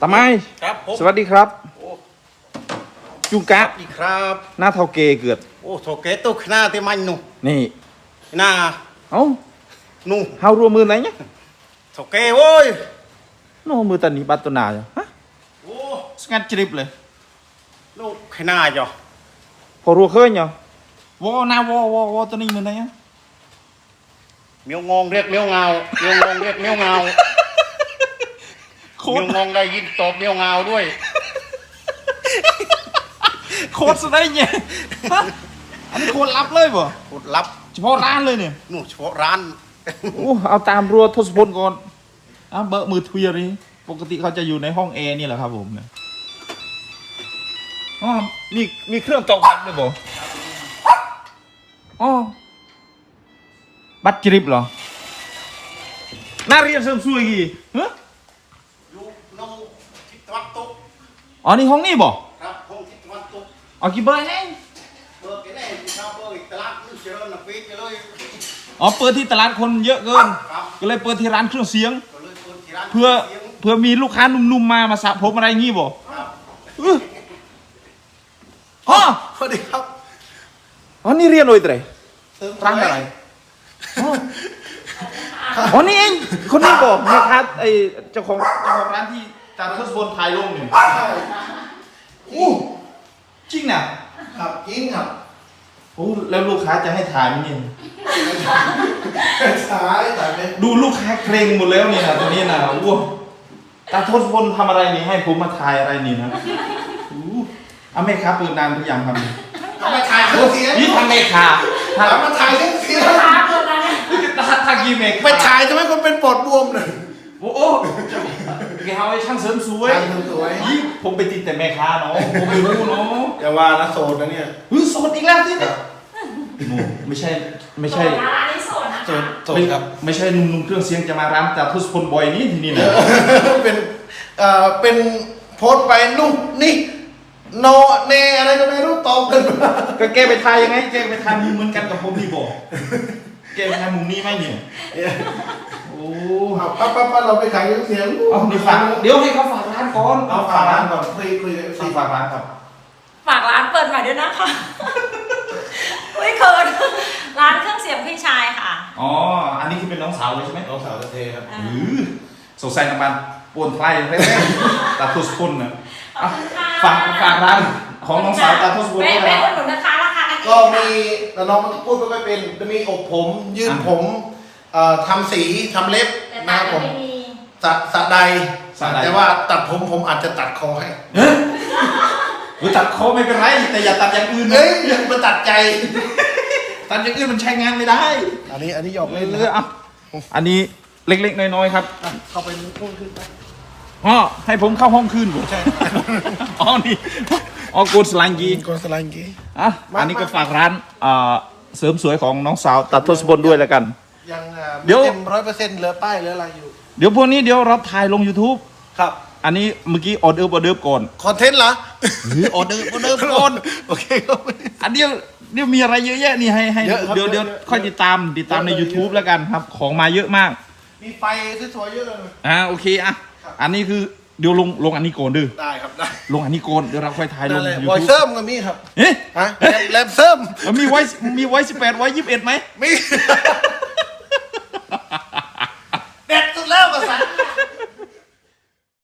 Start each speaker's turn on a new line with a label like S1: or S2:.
S1: ตาไม้
S2: ครับผม
S1: สวัสดีครับจุงกะ
S2: อีกครับ
S1: หน้าเท่าเกเกิด
S2: โอ้โถเกตุกหน้าที่มันนู่
S1: นี่
S2: หน้า
S1: เอ้า
S2: นู่
S1: เฮารวมมือไหนเนี่ย
S2: โถเกโว้ย
S1: โน้มือตันนี้บัตรตัวหนาจ้ะฮะ
S2: โอ้
S1: สงัดจริบเลย
S2: ลูกขนาดจ้ะ
S1: พอรัวเคยเนาะวอหน้าวอตัวนี้มือไหนอ่ะ
S2: เมียวงงเรียกเมียวเงาเมียวงงเรียกเมียวเงาเมียวงงได้ยินตบเมียวเงาด้วย
S1: โคตรสุดได้เนี่ยอันนี้โคตรลับเลยบ่
S2: กดลับ
S1: เฉพาะร้านเลยเนี่ย
S2: นู่เฉพาะร้าน
S1: โอ้เอาตามรัวทศพลก่อนเบอร์มือทวีนี้ปกติเขาจะอยู่ในห้องแอร์นี่แหละครับผมเนี่ยอ๋อมีเครื่องตอกบัตรด้วยบ่อ๋อบัตรจริบเหรอน่าเรียนเสริมสวยกี่ฮะ
S2: อยู่น้องทิศตะวันตก
S1: อ๋อนี่ห้องนี่บ่
S2: ครับห้องทิศตะวันตก
S1: เอากี่เบอร์เนี่ย
S2: เบอร์กี่แน่ชาวเบอร์ตลาดนึกเจริญนะปีไปเลย
S1: อ๋อเปิดที่ตลาดคนเยอะเกินก็เลยเปิดที่ร้านเครื่องเสียงเพื่อมีลูกค้าหนุ่มๆมาสระผมอะไรงี้บ่อ๋อ
S2: สวัสดีครับ
S1: อ๋อนี่เรียนโดยอะไรร้านอะไรอ๋อนี่เองคนนี้บอกแม่ค้าไอเจ้าของร้านที่จานทศพลถ่ายลงเนี่ยอู้จริงน่ะ
S2: ครับจริงครับ
S1: โอ้แล้วลูกค้าจะให้ถ่ายไหมเนี่ย
S2: ถ่ายไหม
S1: ดูลูกค้าเกรงหมดแล้วเนี่ยนะตอนนี้นะอ้วตาทศพลทำอะไรนี่ให้ผมมาถ่ายอะไรนี่นะเอาแม่ค้าเปิดนานหรือยังครับ
S2: ทำไมถ่ายเครื่องเสียง
S1: นี่ทำแม่ค้า
S2: ทำมาถ่ายเครื่องเสียง
S1: ทากีเมก
S2: ไปถ่ายทำไมคนเป็นปอดบวมเนี่ย
S1: โอ้โหแกเอาไอ้ช่างเสริมสวยยิ่งผมไปติดแต่แม่ค้าเนาะผมไม่รู้เนาะ
S2: อย่าว่านะโสดนะเนี่ย
S1: โสดอีกแล้วที่เนี่ยไม่ใช่
S2: โสดครับ
S1: ไม่ใช่นุ่มเครื่องเสียงจะมาร้านจากทศพลบ่อยนี่ทีนี้นะ
S2: เป็นโพสไปนุ่มนี่โนเนอะไรก็ไม่รู้ตอบกัน
S1: ก็แกไปทายยังไงแกไปทายมุมเหมือนกันกับผมนี่บอกแกไปทายมุมนี้ไหมเนี่ยโอ้
S2: ป้าเราไปขายเครื่องเสียง
S1: เอาเดี๋ยวฝากเดี๋ยวให้เขาฝากร้านก่อน
S2: เอาฝากร้านก่อนคุย
S1: ฝากร้านครับ
S3: ฝากร้านเปิดใหม่ด้วยนะคะไม่เคินร้านเครื่องเสียงพี่ชายค่ะ
S1: อ๋ออันนี้คือเป็นน้องสาวเลยใช่ไหม
S2: น้องสาวเทครับ
S1: สงสัยน้ำมันปวนไฟแรกๆตาทศพลนะฝากร้านของน้องสาวตาทศพลด้วยนะ
S3: แม่คนหนุนนะคะราคา
S2: ก็มีแต่น้องมันพูดไม่เป็นจะมีอบผมยืดผมทำสีทำเล็บนะครับผมสะใดแต่ว่าตัดผมอาจจะตัดคอให้
S1: ตัดคอไม่เป็นไรแต่อย่าตัดอย่างอื่น
S2: อย่ามาตัดใจ
S1: ตัดอย่างอื่นมันใช้งานไม่ได้
S2: อันนี้หยอกเล่น
S1: เลยอันนี้เล็กๆน้อยๆครับ
S2: เข้าไปห้องขึ้นไป
S1: อ๋อให้ผมเข้าห้องคืนใช่อ๋อนี่โกดสลังกีอันนี้ก็ฝากร้านเสริมสวยของน้องสาวตัดทศพลด้วยแล้วกัน
S2: ยังเดี๋ยว100%เหลือป้ายเหลืออะไรอยู่
S1: เดี๋ยวพวกนี้เดี๋ยวเราถ่ายลง YouTube
S2: ครับ
S1: อันนี้เมื่อกี้ออเดอร์ก่อน
S2: คอนเทนต์เหรอ
S1: ออเดอร์ก่อน
S2: โอเคครับ
S1: อันเดี๋ยวมีอะไรเยอะแยะนี่ให้เดี๋ยวค่อยติดตามใน YouTube แล้วกันครับของมาเยอะมาก
S2: มีไฟสวยๆเยอะเลย
S1: โอเคอันนี้คือเดี๋ยวลงอันนี้ก่อนดื้อ
S2: ได้ครับได้
S1: ลงอันนี้ก่อนเดี๋ยวเราค่อยถ่ายลง
S2: YouTube วอยเซิร์มก็มีครับ
S1: เอ๊ะ
S2: แลบเซิร์ม
S1: มีไว้18ไว้21ไหม
S2: มี